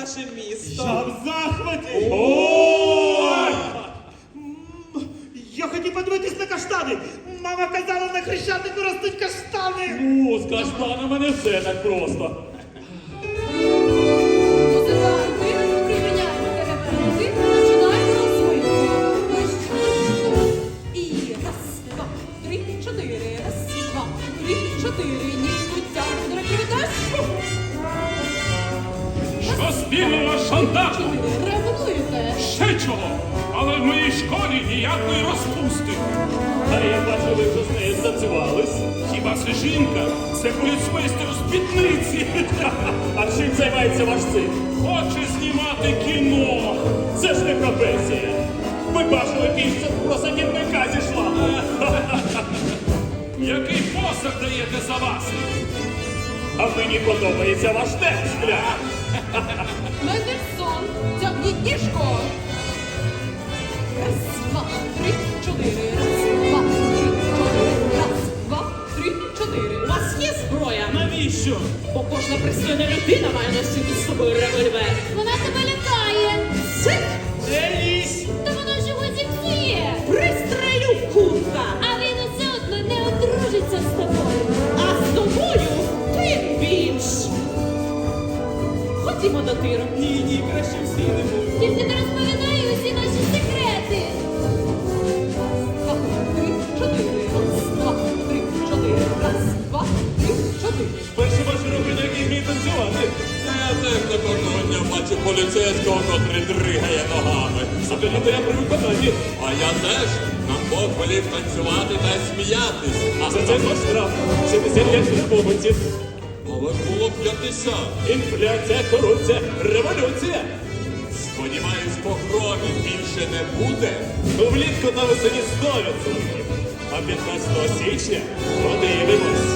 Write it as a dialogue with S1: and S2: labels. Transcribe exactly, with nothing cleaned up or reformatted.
S1: наше місто.
S2: Я в захваті!
S3: Ой!
S2: М, Я хотів подивитись на каштани. Мама казала, на Хрещатику ростуть каштани.
S3: Ну, з каштанами не все так просто.
S4: Музиканти, припиняйте репетити, починаємо розминку. І раз, два, три, чотири, раз, два, три, чотири, ніжку тягнути на критаж.
S5: Що спільного з шантажем?
S4: Чотири, ревнуєте.
S5: Ще чого? Але в моїй школі ніякої розпусти.
S3: А я бачу, ви вже з нею станцювались.
S5: Хіба це жінка? Це поліцмейстер у спідниці.
S3: А чим займається ваш син?
S5: Хоче знімати кіно.
S3: Це ж не професія. Ви бачили, пісня про садівника зійшла.
S5: Який посаг даєте за вас?
S3: А мені подобається ваш текст, бля.
S4: Мендельсон, тягніть ніжку. Раз, два, три, чотири, раз, два, три, чотири, раз, два, три, чотири.
S1: У вас є зброя?
S5: Навіщо?
S1: Бо кожна пристойна людина має носити з собою револьвер.
S4: Вона тебе лякає.
S1: Сик!
S5: Не лізь!
S4: Та вона ж його зіпсує.
S1: Пристрелю, курка!
S4: А він усе одно не одружиться з тобою.
S1: А з тобою тим більш! Ходімо до тиру.
S5: Ні, ні, краще всі не буду.
S4: Тільки не розповідай усі наші секрети. Два, три, чотири. Раз, два, три, чотири. Раз, два, три, чотири.
S3: Перші ваші руки, на якій вміють танцювати.
S6: Я теж не кожного дня бачу поліцейського, котрий дригає ногами.
S3: Взагалі-то я при виконанні.
S6: А я теж нам Бог волів танцювати та сміятись.
S3: А за це ваш штраф. сімдесят п'ять службовців.
S6: Але було п'ятдесят.
S3: Інфляція, корупція, революція.
S6: Сподіваюсь, погромів більше не буде.
S3: Ну, влітку на весені сто відсотків. А п'ятнадцятого січня подивимось.